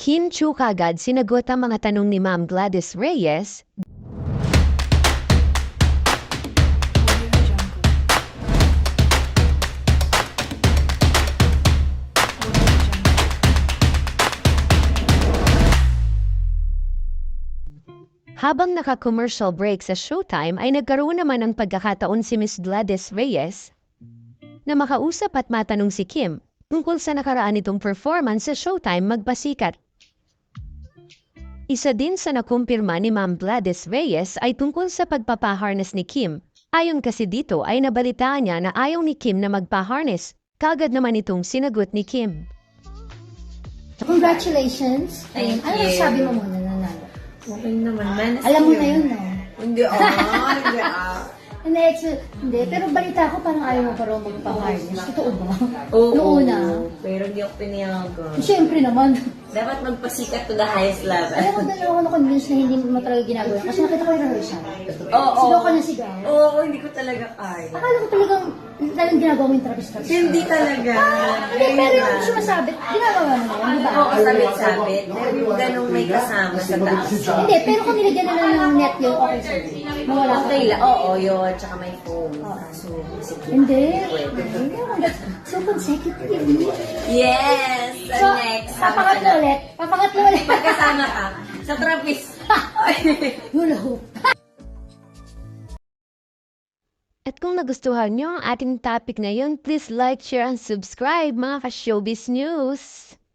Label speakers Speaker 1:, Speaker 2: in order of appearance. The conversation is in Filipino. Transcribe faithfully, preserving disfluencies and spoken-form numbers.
Speaker 1: Kim Chu kagad sinagot ang mga tanong ni Ma'am Gladys Reyes. Habang naka-commercial break sa Showtime ay nagkaroon naman ng pagkakataon si Miss Gladys Reyes na makausap at matanong si Kim tungkol sa nakaraan nitong performance sa Showtime Magpasikat. Isa din sa nakumpirma ni Ma'am Gladys Reyes ay tungkol sa pagpapaharness ni Kim. Ayon kasi dito ay nabalitaan niya na ayaw ni Kim na magpaharness. Kagad naman itong sinagot ni Kim.
Speaker 2: Congratulations!
Speaker 3: Thank
Speaker 2: Ano
Speaker 3: you.
Speaker 2: sabi mo muna nanalo?
Speaker 3: Okay naman, man.
Speaker 2: Alam mo na yun, no?
Speaker 3: Hindi, ah, hindi, ah.
Speaker 2: Hindi, actually, hindi. Pero balita ko parang ayaw mo pa raw magpa-harness. Totoo ba?
Speaker 3: Oo,
Speaker 2: Noong una.
Speaker 3: pero hindi ako pinayagan.
Speaker 2: Siyempre naman.
Speaker 3: Dapat magpasikat to the highest level.
Speaker 2: Alam ko doon ako na-convince na hindi mo talaga ginagawa. Kasi nakita ko yung rehearsal.
Speaker 3: Oo.
Speaker 2: Sigaw ka na sigaw.
Speaker 3: Oo, hindi ko talaga kaya.
Speaker 2: Akala ko talagang, talagang ginagawa mo yung trapis-trapis.
Speaker 3: Hindi talaga.
Speaker 2: Hindi, pero yung sumasabit, ginagawa mo na yun, di ba?
Speaker 3: Oo, sabit-sabit. Pero yung ganong may kasama sa taas.
Speaker 2: Hindi, pero kung nilagyan na lang ng net yun, okay sa'yo. Mawala ka.
Speaker 3: Okay lang. Oo, yun. Tsaka may foam. So, sige.
Speaker 2: Hindi. Hindi naman. So, consecutively.
Speaker 3: Yes!
Speaker 2: So,
Speaker 3: And next, sama ka
Speaker 2: papangatlo
Speaker 3: na.
Speaker 2: ulit. Papangatlo ulit.
Speaker 3: Pagkasama ka sa trapis.
Speaker 2: Hula hoop.
Speaker 1: At kung nagustuhan niyo ang ating topic ngayon, please like, share, and subscribe mga ka-showbiz news!